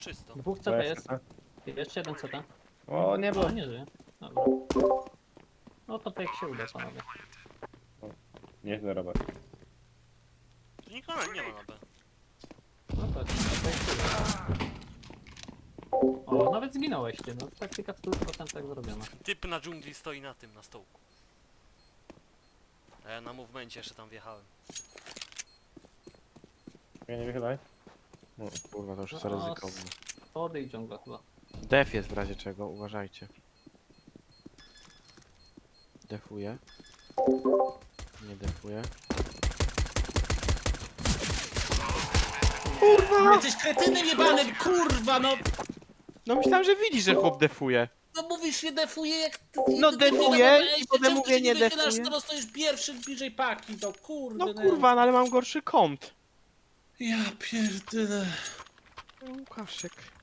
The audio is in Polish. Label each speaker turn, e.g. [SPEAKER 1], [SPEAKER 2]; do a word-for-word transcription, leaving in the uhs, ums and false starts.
[SPEAKER 1] Czysto.
[SPEAKER 2] Dwóch C T jest. Jeszcze jeden C T.
[SPEAKER 3] O, nie było.
[SPEAKER 2] A, nie żyje. Dobra. No to tak jak się uda, panowie.
[SPEAKER 3] Nieźle, Robert.
[SPEAKER 1] Tu nikogo nie ma na B.
[SPEAKER 2] No tak, to jak się uda. O, nawet zginąłeś ty, no taktyka w stu procentach zrobiona.
[SPEAKER 1] Typ na dżungli stoi na tym, na stołku. A ja na movemencie jeszcze tam wjechałem.
[SPEAKER 3] Ja nie wychylaj.
[SPEAKER 4] No, kurwa, to już jest
[SPEAKER 2] No,
[SPEAKER 4] ryzykowne.
[SPEAKER 2] Schody i dżungla chyba.
[SPEAKER 4] Def jest w razie czego, uważajcie. Defuję. Nie defuję.
[SPEAKER 5] No jesteś kretynem jebanym, kurwa, no!
[SPEAKER 4] No myślałem, że widzisz, że chłop defuje.
[SPEAKER 5] No mówisz, nie defuje jak... ty-
[SPEAKER 4] No
[SPEAKER 5] ty-
[SPEAKER 4] defuję
[SPEAKER 5] ty-
[SPEAKER 4] i potem
[SPEAKER 5] czemu
[SPEAKER 4] mówię,
[SPEAKER 5] ty się
[SPEAKER 4] nie
[SPEAKER 5] wychylasz,
[SPEAKER 4] defuję?
[SPEAKER 5] skoro stoisz pierwszy bliżej paki, to kurde.
[SPEAKER 4] No kurwa, no ale mam gorszy kąt.
[SPEAKER 5] Ja pierdolę.
[SPEAKER 4] Łukaszek.